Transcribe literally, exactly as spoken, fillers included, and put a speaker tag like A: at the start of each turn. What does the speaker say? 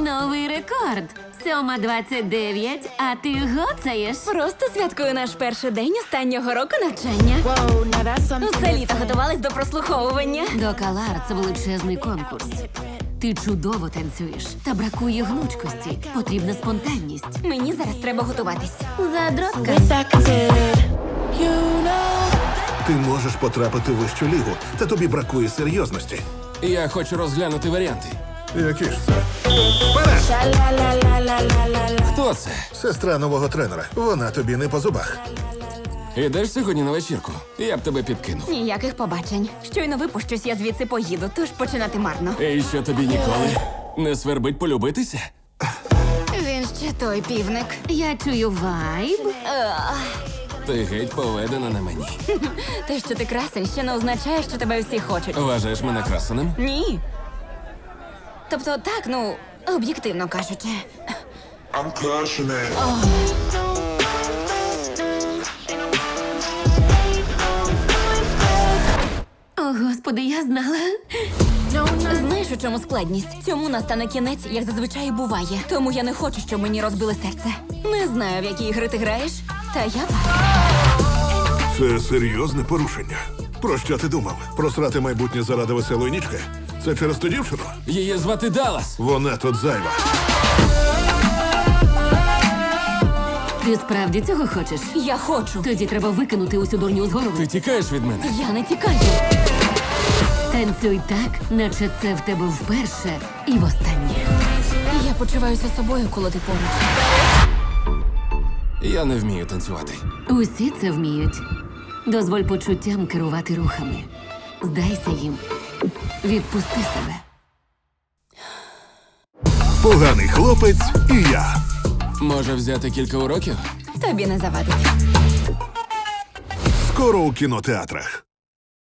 A: Новий рекорд. Сьома двадцять дев'ять, а ти гоцаєш.
B: Просто святкую наш перший день останнього року навчання.
C: Whoa, now that's something
B: Усе літо
C: different.
B: готувались до прослуховування.
A: До Калар це величезний конкурс. Ти чудово танцюєш, та бракує гнучкості. Потрібна спонтанність.
B: Мені зараз треба готуватись.
A: Задротка.
C: With that considered, you know.
D: Ти можеш потрапити в вищу лігу, та тобі бракує серйозності.
E: Я хочу розглянути варіанти.
D: Які ж це? Вперед!
C: Sha-la-la-la-la-la-la-la.
E: Хто це?
D: Сестра нового тренера. Вона тобі не по зубах.
E: Ідеш сьогодні на вечірку? Я б тебе підкинув.
B: Ніяких побачень. Щойно випущусь, я звідси поїду, тож починати марно.
E: І що тобі ніколи не свербить полюбитися?
B: Він ще той півник.
A: Я чую вайб.
E: Ти геть поведена на мені.
B: Те, що ти красень, ще не означає, що тебе всі хочуть.
E: Вважаєш мене красеним?
B: Ні. Тобто, так, ну, об'єктивно кажучи.
F: I'm crushing it.
A: О, господи, я знала.
B: Знаєш, у чому складність? Цьому настане кінець, як зазвичай і буває. Тому я не хочу, щоб мені розбили серце. Не знаю, в які ігри ти граєш, та я пас.
D: Це серйозне порушення. Про що ти думав? Просрати майбутнє заради веселої нічки? Це через ту дівчину?
E: Її звати Даллас.
D: Вона тут зайва.
A: Ти справді цього хочеш?
B: Я хочу.
A: Тоді треба викинути усю дурню з голови.
E: Ти тікаєш від мене?
B: Я не тікаю.
A: Танцюй так, наче це в тебе вперше і востаннє.
B: Я почуваюся собою, коли ти поруч.
E: Я не вмію танцювати.
A: Усі це вміють. Дозволь почуттям керувати рухами. Здайся їм. Відпусти себе.
D: Поганий хлопець і я.
E: Може взяти кілька уроків?
B: Тобі не завадить.
D: Скоро у кінотеатрах.